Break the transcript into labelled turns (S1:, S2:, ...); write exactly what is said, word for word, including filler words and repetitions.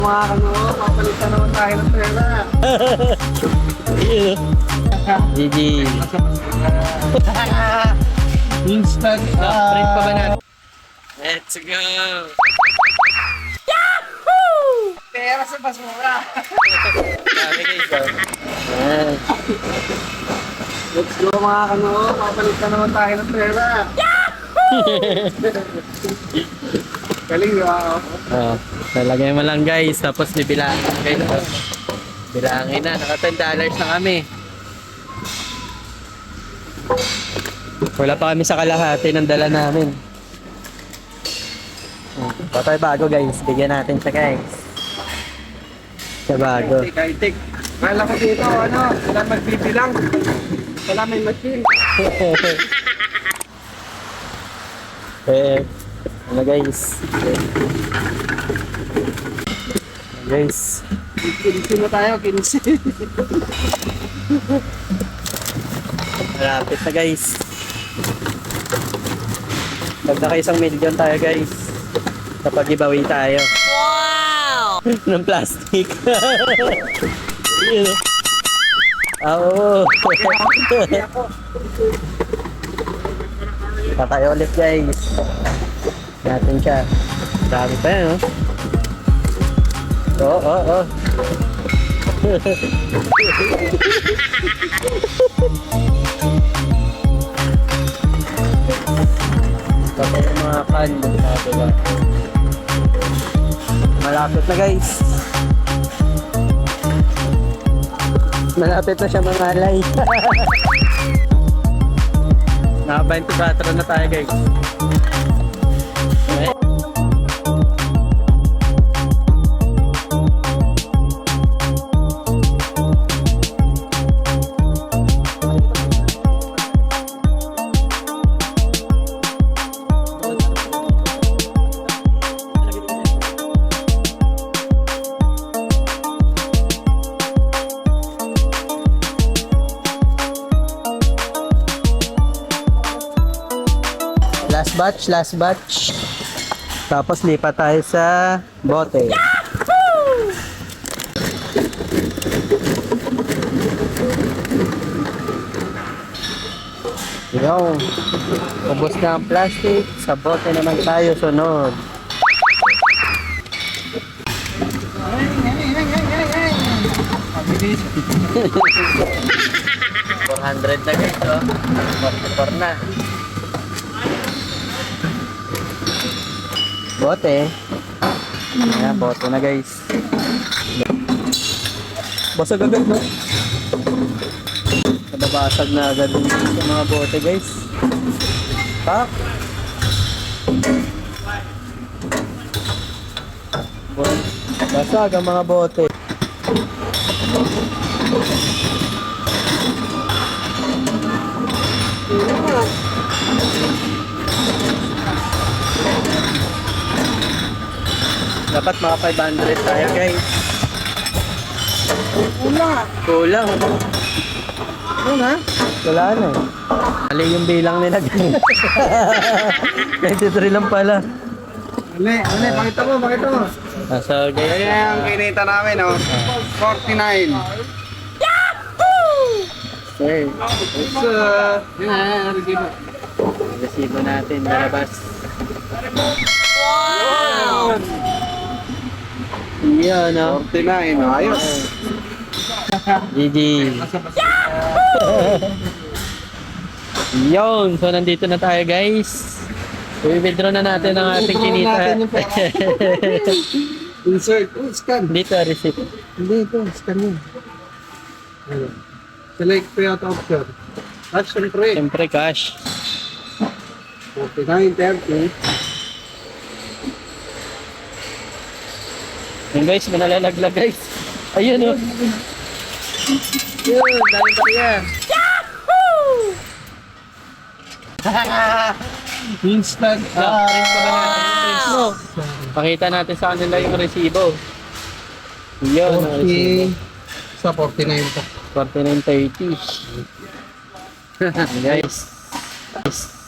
S1: Mga kano, papalitan naman tayo ng pera.
S2: G G.
S1: Instant.
S2: Ah, print pa ba natin? Let's go!
S1: Pera sa basura.
S2: Sabi guys, oh. Ayan.
S1: Let's go mga kano, papalitan naman tayo ng pera. Galing di ba?
S2: Oh, talagay mo lang guys, tapos bibilaan guys. Oh. Bilangin na, naka ten dollars na kami. Wala pa kami sa kalahati ng dala namin. Oh, patay bago guys, bigyan natin siya guys. Siya bago.
S1: Kaitik. Kala ko dito, ano, wala magbibilang. Wala may machine.
S2: Eh, ano guys? Guys,
S1: Kinsi na tayo, kinsi.
S2: malapit na guys. Pag naka isang milyon tayo guys, kapag giveaway tayo. Wow! Ng plastic. Yun. Oo. Patay ulit guys. Natin siya. Dami pa yan, oh. Oo, oo, oo. Patay yung mga kan. Diba? Malapit na guys. Malapit na siya mangalay. Naka twenty-four na tayo guys. Okay. Last batch, last batch. Tapos lipat tayo sa bote. Yo, ubos na ang plastic. Sa bote naman tayo sunod. four hundred na guys, oh. forty-four na. Bote. Ayan, bote na guys. Basag agad, no? Nababasag na agad yung sa mga bote guys. Tak. Basag ang mga bote. Dapat mga five hundred tayo guys.
S1: Wala.
S2: Kulang.
S1: Ano na?
S2: Wala na eh. Mali yung bilang nila guys. ninety-three lang pala.
S1: Ano, ano, pakita mo, pakita mo.
S2: Ah, so guys.
S1: Ayan ang kinita namin, oh. forty-nine.
S2: Okay.
S1: It's, uh, yan, resibo.
S2: Resibo natin, lalabas.
S1: Wow!
S2: Yan, no?
S1: forty-nine, oh, ayos.
S2: G G. Yun, so nandito na tayo guys. I-withdraw na natin ang ating kinita.
S1: Natin yung pera. Insert. Oh, scan.
S2: Dito, receipt.
S1: Hindi, ito. Scan yun. Ayun. Select payout option. Cash siyempre.
S2: Siyempre cash.
S1: forty-nine, thirty.
S2: Yun guys, manalalaglag guys. Ayun oh. Yun, daming bariya.
S1: Instant.
S2: Ah, print pa ba natin yung print mo? Pakita natin sa kanila yung resibo. Yun, ang resibo.
S1: Sa forty-nine pa.
S2: forty-nine thirty. Guys. Guys.